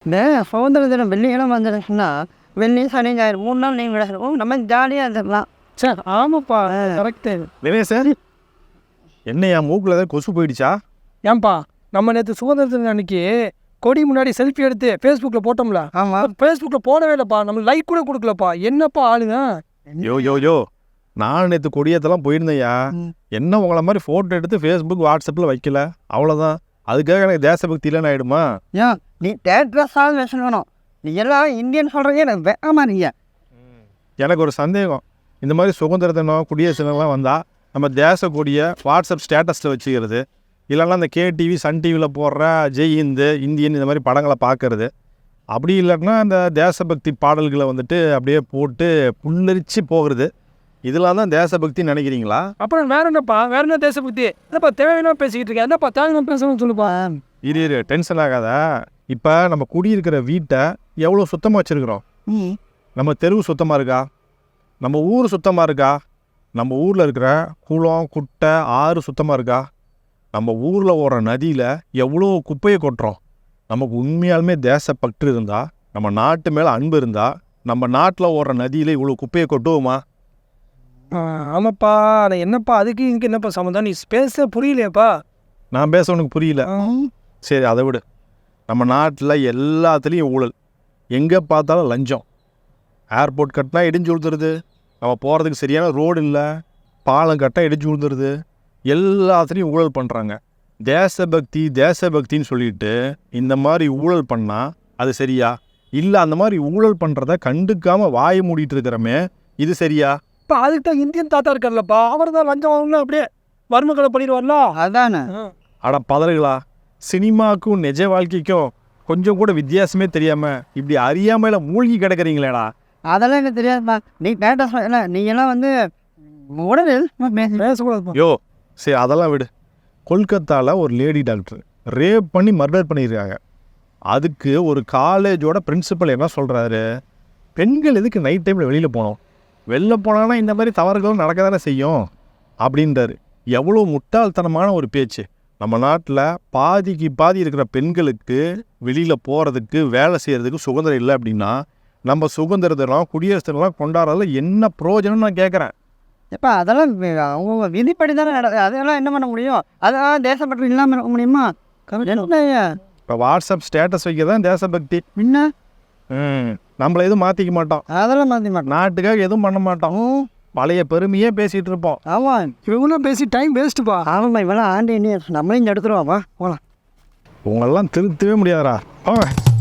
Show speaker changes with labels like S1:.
S1: இந்த சுதந்திர தினம் வெள்ளிக்கிழமை வந்துடுச்சுன்னா வெள்ளி சனி ஞாயிறு 3 நாள் நீங்கள் விளையாடுவோம் நம்ம ஜாலியாக இருந்துடலாம்.
S2: சார் ஆமாப்பா கரெக்டு.
S3: தினேஷ் சார் என்னையா மூக்கில் ஏதாவது கொசு போயிடுச்சா?
S2: ஏன்பா நம்ம நேற்று சுதந்திர தினம் அன்னைக்கு கொடி முன்னாடி செல்ஃபி எடுத்து ஃபேஸ்புக்கில் போட்டோம்ல.
S1: ஆமாம்,
S2: ஃபேஸ்புக்கில் போடவே இல்லைப்பா, நம்ம லைக் கூட கொடுக்கலப்பா. என்னப்பா ஆளுங்க?
S3: யோ நான் நேற்று கொடியத்தெல்லாம் போயிருந்தேயா. என்ன உங்களை மாதிரி ஃபோட்டோ எடுத்து ஃபேஸ்புக் வாட்ஸ்அப்பில் வைக்கல, அவ்வளோதான். அதுக்காக எனக்கு தேசபக்தி இல்லைன்னு ஆகிடுமா?
S1: ஏன் நீ தேட்ரஸாவது பேசணும். நீ எல்லாம் இந்தியன் சொல்கிறீங்க எனக்கு வேகமா நீங்க.
S3: எனக்கு ஒரு சந்தேகம், இந்த மாதிரி சுதந்திர தினம் குடியரசு தினம்லாம் வந்தால் நம்ம தேச கொடியை வாட்ஸ்அப் ஸ்டேட்டஸில் வச்சுக்கிறது, இல்லைன்னா அந்த கேடிவி சன் டிவியில் போடுற ஜெய் ஹிந்து இந்தியன் இந்த மாதிரி படங்களை பார்க்கறது, அப்படி இல்லைன்னா அந்த தேசபக்தி பாடல்களை வந்துட்டு அப்படியே போட்டு புல்லரிச்சு போகிறது, இதெல்லாம் தான் தேசபக்தின்னு நினைக்கிறீங்களா?
S2: அப்புறம் வேற என்னப்பா, வேற என்ன தேசபக்தி? என்னப்பா தேவையான பேசிக்கிட்டு இருக்கேன், என்னப்பா தேவையான பேசணும்னு சொல்லுப்பா.
S3: இரு டென்ஷன் ஆகாத. இப்போ நம்ம குடியிருக்கிற வீட்டை எவ்வளோ சுத்தமாக வச்சுருக்குறோம்? நம்ம தெருவு சுத்தமாக இருக்கா? நம்ம ஊர் சுத்தமாக இருக்கா? நம்ம ஊரில் இருக்கிற குளம் குட்டை ஆறு சுத்தமாக இருக்கா? நம்ம ஊரில் ஓடுற நதியில் எவ்வளோ குப்பையை கொட்டுறோம்? நமக்கு உண்மையாலுமே தேசப்பற்று இருந்தால், நம்ம நாட்டு மேலே அன்பு இருந்தால், நம்ம நாட்டில் ஓடுற நதியில் இவ்வளோ குப்பையை கொட்டுவோமா?
S2: ஆமாப்பா, ஆனால் என்னப்பா அதுக்கு இங்கே என்னப்பா சம்மந்தம்? நீ பேச புரியலையாப்பா?
S3: நான் பேச உனக்கு புரியல. சரி அதை விடு. நம்ம நாட்டில் எல்லாத்துலேயும் ஊழல், எங்கே பார்த்தாலும் லஞ்சம். ஏர்போர்ட் கட்டினா இடிஞ்சு விழுந்துருது, நம்ம போகிறதுக்கு சரியான ரோடு இல்லை, பாலம் கட்டினா இடிஞ்சு விழுந்துருது, எல்லாத்துலேயும் ஊழல் பண்ணுறாங்க. தேசபக்தின்னு சொல்லிட்டு இந்த மாதிரி ஊழல் பண்ணால் அது சரியா? இல்லை அந்த மாதிரி ஊழல் பண்ணுறத கண்டுக்காமல் வாயை மூடிட்டு இருக்கிறமே, இது சரியா?
S2: இப்போ அதுக்கு தான் இந்தியன் தாத்தா இருக்கார்லப்பா, அவர் தான் லஞ்சம் வாங்கணும் அப்படியே வறுமக்களை பண்ணிடுவார்ல.
S1: அதானே.
S3: அட பதறுகளா, சினிமாவுக்கும் நிஜ வாழ்க்கைக்கும் கொஞ்சம் கூட வித்தியாசமே தெரியாமல் இப்படி அறியாமையில் மூழ்கி கிடக்கிறீங்களேடா.
S1: அதெல்லாம் எனக்கு தெரியாதுப்பா. நீ டேட்டா இல்லை, நீங்கள்லாம் வந்து உடனே
S2: பேசக்கூடாதுப்பா.
S3: யோ சரி அதெல்லாம் விடு. கொல்கத்தாவில் ஒரு லேடி டாக்டர் ரேப் பண்ணி மர்டர் பண்ணியிருக்காங்க. அதுக்கு ஒரு காலேஜோட பிரின்சிபல் என்ன சொல்கிறாரு, பெண்கள் எதுக்கு நைட் டைமில் வெளியில் போனோம், வெளில போனாங்கன்னா இந்த மாதிரி தவறுகளும் நடக்க தானே செய்யும் அப்படின்றாரு. எவ்வளோ முட்டாள்தனமான ஒரு பேச்சு. நம்ம நாட்டில் பாதிக்கு பாதி இருக்கிற பெண்களுக்கு வெளியில் போகிறதுக்கு வேலை செய்கிறதுக்கு சுதந்திரம் இல்லை அப்படின்னா, நம்ம சுதந்திர தினம் குடியரசு தினம்லாம் கொண்டாடுறதுல என்ன பிரயோஜனம்னு நான் கேட்குறேன்.
S1: எப்பா அதெல்லாம் அவங்க விதிப்படி தானே நடக்குது, அதெல்லாம் என்ன பண்ண முடியும்? அதெல்லாம் தேசப்பற்று இல்லாமல் இருக்க முடியுமா?
S3: இப்போ வாட்ஸ்அப் ஸ்டேட்டஸ் வைக்க தான் தேசபக்தி.
S1: முன்ன
S3: நம்மளை எதுவும் மாற்றிக்க மாட்டோம்,
S1: அதெல்லாம் மாற்றி மாட்டோம்,
S3: நாட்டுக்காக எதுவும் பண்ண மாட்டோம், பழைய பெருமையே பேசிகிட்டு இருப்போம்.
S1: ஆமாம்,
S2: இவங்களாம் பேசி டைம் வேஸ்ட்டுப்பா.
S1: ஆமாம்மா, இவெல்லாம் ஆண்டு நம்மளையும் எடுத்துருவாப்பா போகலாம்.
S3: உங்களெல்லாம் திருத்தவே முடியாதரா.